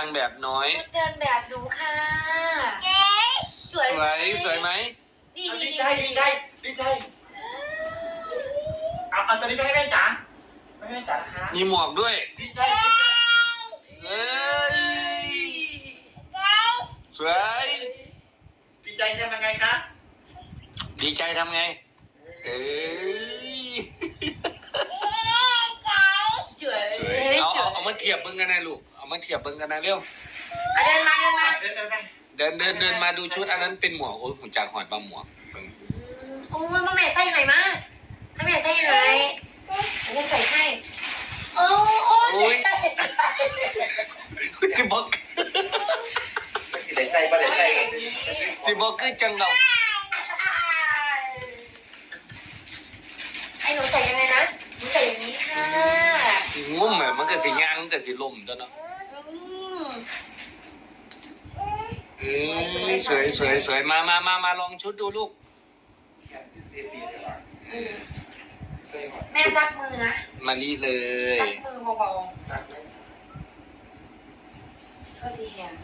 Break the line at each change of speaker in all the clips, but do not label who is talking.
างแบบน้อย
ชุดเดินแบบดูค่ะสวย
สวยไหม
ดี
ใจเอาตัวนี้ไปให้แม่จ๋าไม่ให้แม่จ๋านะคะ
มีหมวกด้วย
ดีใจ
เฮ้ยสวย
ดีใจทำยังไงคะ
ดีใจทำไงเอ้ย
สวย
สวยเอามาเทียบเบิ่งกันนะลูกเอามาเทียบเบิ่งกันนะเร็ว
เดินมา
เดินไป
เดินมาดูชุดอันนั้นเป็นหมวกโอ้ยหูจากหอดบางหมวก
โอ้ยแม่ใส่ไหนมาให้แม่ใส่ไหนแม่ใส่ให้โอ้ย
สิบอก
สิเด็ดใจประเด็ดใจ
สิบอกคือจังเรา
ไอ้หนูใส่ยังไงนะหนูใส่อย่างนี้ค่ะ
งุ้มอะมันก็สิย่างมันก็สิล่มตัวเนาะสวยมาลองชุดดูลูก
แม่ซักมือนะ
มาลีเลย
ซักมือเบาๆก็สีแหง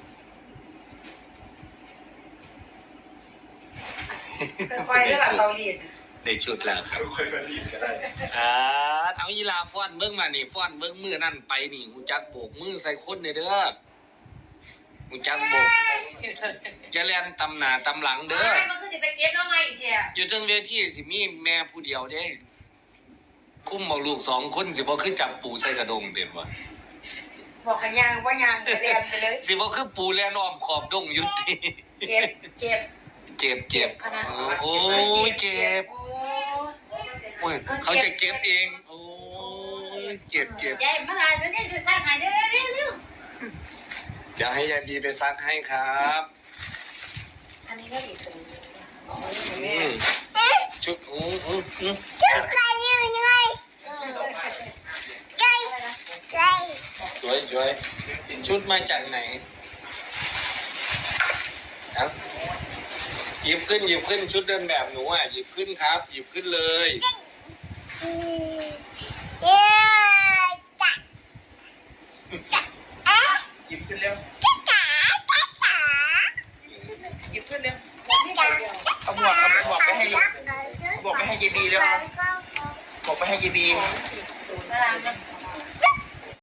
ค่อยๆได้แบบเกาหลี
ได้ชุดแล้วครับ
ค่อยๆรีบก็ได้
เอายีลาฟ้อนเบิ้งมานี่ฟ้อนเบิ้งมือนั่นไปนี่หูจักโบกมือใส่คนเด้อหูจักโบกอย่าแล่นตำหน้าตำหลังเด้อ
มันคือสิไปเก็บแล้วไงอีกเทีย
อยู่ถึงเวทีสิมีแม่ผู้เดียวเด้คุ้มบอกลูกสองคนสิบ่คือจับปูใส่กระดงเต็มวะ
บอกกันยังว่ายางไปเรียนไปเลย
สิบ่คือปูแล่นอ้อมขอบดงอยู่ที่
เก็บ
เจ็บโอ้ยเจ็บโอ้ยเขาจะเก็บเองโอ้ยเจ็บ
ยายมาลายตัวนี้ดูสร้างหายเร็ว
จะให้ยายบีไปซักให้ครับ
อันนี้ก็ดีถึง
ชุดสวยชุดมาจากไหนครับหยิบขึ้นชุดเดินแบบหนูอ่ะหยิบขึ้นครับหยิบขึ้นเลย
หยิบขึ้นเร็วหยิบขึ้นเร็วเอาหมวกไปให้เยบีเร็วบอกไปให้เยบี
น่ารักนะ